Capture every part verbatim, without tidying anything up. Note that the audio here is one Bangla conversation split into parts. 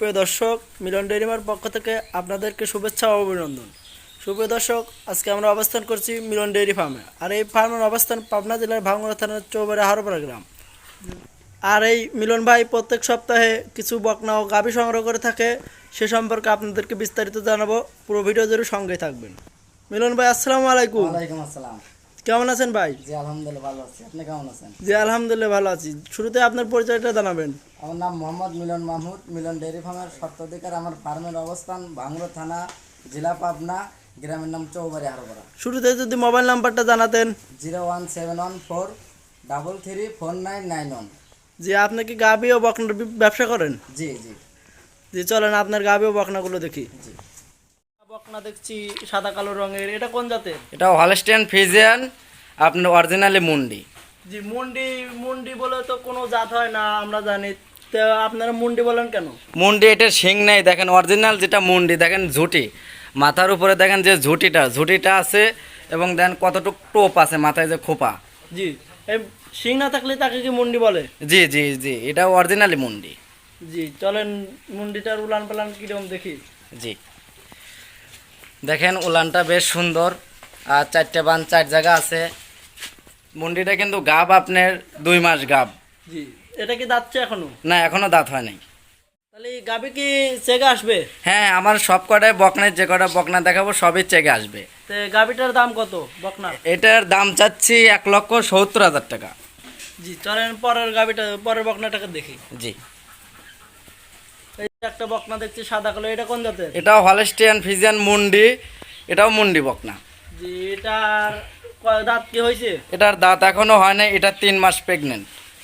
সুপ্রিয় দর্শক, মিলন ডেইরি ফার্মের পক্ষ থেকে আপনাদেরকে শুভেচ্ছা ও অভিনন্দন। সুপ্রিয় দর্শক, আজকে আমরা অবস্থান করছি মিলন ডেইরি ফার্মে। আর এই ফার্মের অবস্থান পাবনা জেলার ভাঙ্গুড়া থানার চৌবাড়ি হারোপাড়া গ্রাম। আর এই মিলন ভাই প্রত্যেক সপ্তাহে কিছু বকনা ও গাভী সংগ্রহ করে থাকে, সে সম্পর্কে আপনাদেরকে বিস্তারিত জানাবো। পুরো ভিডিও জুড়ে সঙ্গে থাকবেন। মিলন ভাই, আসসালামু আলাইকুম। ওয়ালাইকুম আসসালাম। কেমন আছেন ভাই? জি আলহামদুলিল্লাহ ভালো আছি। আপনি কেমন আছেন? জি আলহামদুলিল্লাহ ভালো আছি। শুরুতে আপনার পরিচয়টা জানাবেন। আমার নাম মোহাম্মদ মিলন মাহমুদ। মিলন ডেয়ারি ফার্মের স্বত্বাধিকার। আমার ফার্মের অবস্থান ভাঙ্গুড়া থানা, জেলা পাবনা, গ্রামের নাম চৌবাড়ি হারোপাড়া। শুরুতে যদি মোবাইল নাম্বারটা জানাতেন। Zero one seven one four double three four nine nine one. জি, আপনি কি গাভী ও বকনার বি- ব্যবসা করেন? জি জি জি, চলেন আপনার গাভী ও বকনাগুলো দেখি। জি বকনা দেখছি সাদা কালো রঙের, এটা কোন জাতের? এটা হলস্টিয়ান ফ্রিজিয়ান, আপনার অরিজিনালি মুন্ডি। জি, মুন্ডি মুন্ডি বলে তো কোনো জাত হয় না, আমরা জানি। তো আপনারা মুন্ডি বলেন কেন? মুন্ডি এটার শিং নেই, দেখেন অরিজিনাল যেটা মুন্ডি, দেখেন ঝুটি মাথার উপরে, দেখেন যে ঝুটিটা ঝুটিটা আছে এবং দেন কতটুক টোপ আছে মাথায়, যে খোপা। জি, এই শিং না থাকলে তাকে কি মুন্ডি বলে? জি জি জি এটা অরিজিনালি মুন্ডি। জি, চলেন মুন্ডিটার উলান পালান কিরকম দেখি। জি, দেখেন উলানটা বেশ সুন্দর, আর চারটে বান চার জায়গা আছে। মুন্ডিটা কিন্তু গাব আপনার দুই মাস গাব। জি, এটা কি দাঁতছে এখনো? না, এখনো দাঁত হয় নাই। তাহলে এই গাভী কি চেগে আসবে? হ্যাঁ, আমার সব কটায় বকনায় যে কটা বকনা দেখাবো সবই চেকে আসবে। তো গাভীটার দাম কত বকনা? এটার দাম চাচ্ছি এক লক্ষ সত্তর হাজার টাকা। জি, চলেন পরের গাভীটা, পরের বকনাটাকে দেখি। জি, এই যে একটা বকনা দেখছি সাদা কালো, এটা কোন জাতের? এটাও হলস্টিয়ান ফ্রিজিয়ান মুন্ডি, এটাও মুন্ডি বকনা। জি, এটার কয় দাঁত কি হয়েছে? এটার দাঁত এখনো হয় নাই, এটা তিন মাস প্রেগনেন্ট।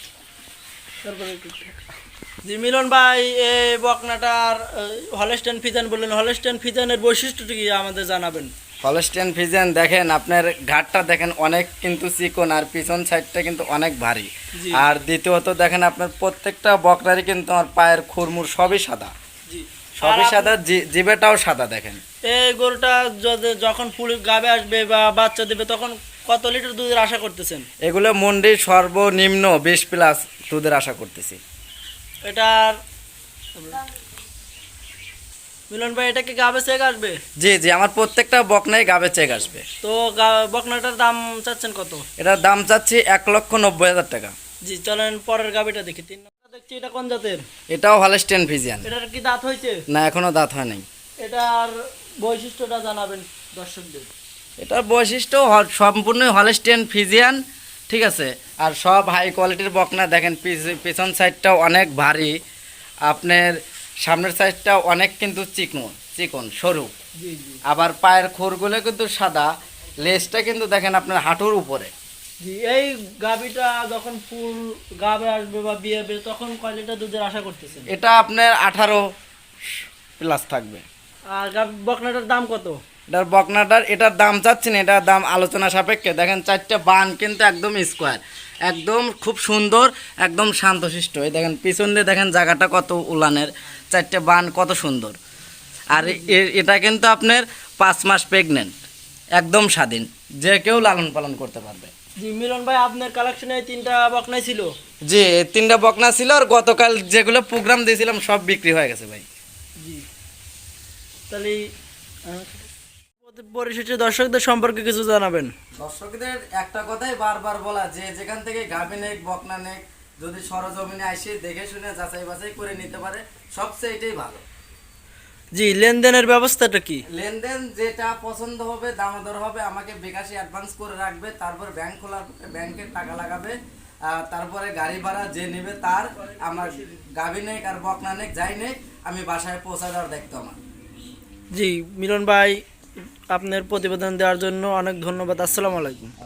জি মিলন ভাই, এই বকনাটার হলস্টেন ফিজান বললেন, হলস্টেন ফিজানের বৈশিষ্ট্যটি কি আমাদের জানাবেন? হলস্টিয়ান ফ্রিজিয়ান দেখেন আপনার ঘাটটা দেখেন অনেক কিন্তু চিকন, আর পিছন সাইডটা কিন্তু অনেক ভারী। জি। আর দ্বিতীয়ত দেখেন আপনার প্রত্যেকটা বকনারই কিন্তু আমার পায়ের খুরমুর সবই সাদা, জি, সবই সাদা, জি- জিভেটাও সাদা। দেখেন এই গরুটা যদি- যখন ফুল গাবে আসবে বা বাচ্চা দেবে, তখন কত লিটার দুধের আশা করতেছেন? এগুলো মুন্ডি সর্বনিম্ন বিশ প্লাস দুধের আশা করতেছি। এটার মিলন ভাই, এটা কি গাবে চেক আসবে? জি জি আমার প্রত্যেকটা বকনাই গাবে চেক আসবে। তো গা- বকনাটার দাম চাচ্ছেন কত? এটার দাম চাচ্ছি এক লক্ষ নব্বই হাজার টাকা। জি, চলেন পরের গাবিটা দেখি। তিন নম্বর দেখছি, এটা কোন জাতের? এটাও হলস্টিয়ান ফ্রিজিয়ান। এটার কি দাঁত হয়েছে? না, এখনো দাঁত হয় নাই। এটার বৈশিষ্ট্যটা জানাবেন দর্শকদের। এটার বৈশিষ্ট্য হ- সম্পূর্ণ হলস্টিয়ান ফ্রিজিয়ান, ঠিক আছে। আর সব হাই কোয়ালিটির বকনা। দেখেন পিছ- পিছন সাইডটাও অনেক ভারী, আপনার সামনের সাইডটাও অনেক কিন্তু চিকন চিকন সরু। জি জি আবার পায়ের খুরগুলো কিন্তু সাদা, লেজটা কিন্তু দেখেন আপনার হাঁটুর উপরে। জি, এই গাবিটা যখন ফুল গাবে আসবে বা বিয়ে হবে, তখন কয় লিটার দুধের আশা করতেছেন? এটা আপনার আঠারো প্লাস থাকবে। আর গাবি বকনাটার দাম কত? এটার বকনাটার এটার দাম চাচ্ছি না, এটার দাম আলোচনা সাপেক্ষে। দেখেন চারটে বান কিন্তু একদম স্কোয়ার, একদম খুব সুন্দর, একদম শান্তশিষ্ট। এই দেখেন পিছন দিয়ে দেখেন জায়গাটা কত উলানের, চারটে বান কত সুন্দর। আর এ- এটা কিন্তু আপনার পাঁচ মাস প্রেগনেন্ট, একদম স্বাধীন, যে কেউ লালন পালন করতে পারবে। জি মিলন ভাই, আপনার কালেকশনে এই তিনটা বকনাই ছিল? জি, এই তিনটা বকনা ছিল, আর গতকাল যেগুলো প্রোগ্রাম দিয়েছিলাম সব বিক্রি হয়ে গেছে ভাই। জি, তাহলে আহ, পরিশেষে দর্শকদের সম্পর্কে কিছু জানাবেন। দর্শকদের একটা কথাই বারবার বলা, যে যেখান থেকে গাভী নেক বকনা নেক, যদি সরজমিনে আসে দেখে শুনে যাচাই বাছাই করে নিতে পারে, সবচেয়ে এটাই ভালো। জি, লেনদেনের ব্যবস্থাটা কি? লেনদেন যেটা পছন্দ হবে, দামোদর হবে, আমাকে বিকাশে অ্যাডভান্স করে রাখবে, তারপর ব্যাংক খোলার পরে ব্যাংকের টাকা লাগাবে, আর তারপরে গাড়ি ভাড়া যে নেবে তার, আমার গাভী নেক আর বকনা নেক যাই নেক, আমি বাসায় পৌঁছা দেওয়ার দায়িত্ব আমার। জি মিলন ভাই, আপনার প্রতিবেদন দেওয়ার জন্য অনেক ধন্যবাদ। আসসালামু আলাইকুম।